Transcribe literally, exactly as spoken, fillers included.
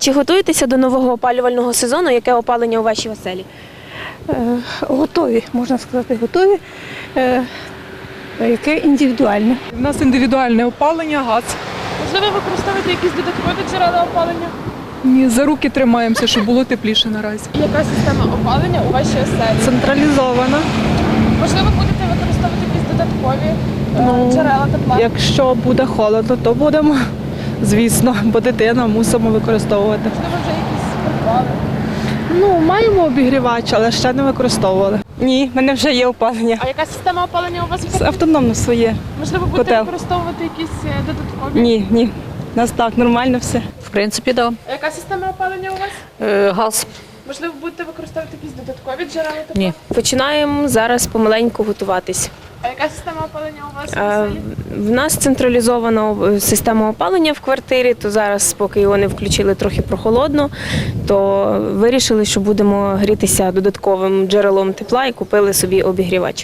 Чи готуєтеся до нового опалювального сезону? Яке опалення у вашій оселі? Е, Готові, можна сказати, готові. Е, Яке індивідуальне. У нас індивідуальне опалення, газ. Можливо, використовуєте якісь додаткові джерела опалення? Ні, за руки тримаємося, щоб було тепліше наразі. Яка система опалення у вашій оселі? Централізована. Можливо, будете використовувати якісь додаткові е, Ну, джерела тепла? Якщо буде холодно, то будемо, звісно, бо дитина мусимо використовувати. Можливо, вже якісь придбали? Ну, маємо обігрівач, але ще не використовували. Ні, в мене вже є опалення. А яка система опалення у вас? Це автономно своє. Можливо, будете котел. використовувати якісь е, додаткові? Ні, ні. У нас так, нормально все. В принципі, так. А яка система опалення у вас? Да. Газ. Можливо, будете використовувати якісь додаткові джерела тепла? Ні. Починаємо зараз помаленьку готуватись. А яка система опалення у вас в Е, оселі? В нас централізована е, система опалення в квартирі, то зараз, поки його не включили трохи прохолодно, то вирішили, що будемо грітися додатковим джерелом тепла і купили собі обігрівач.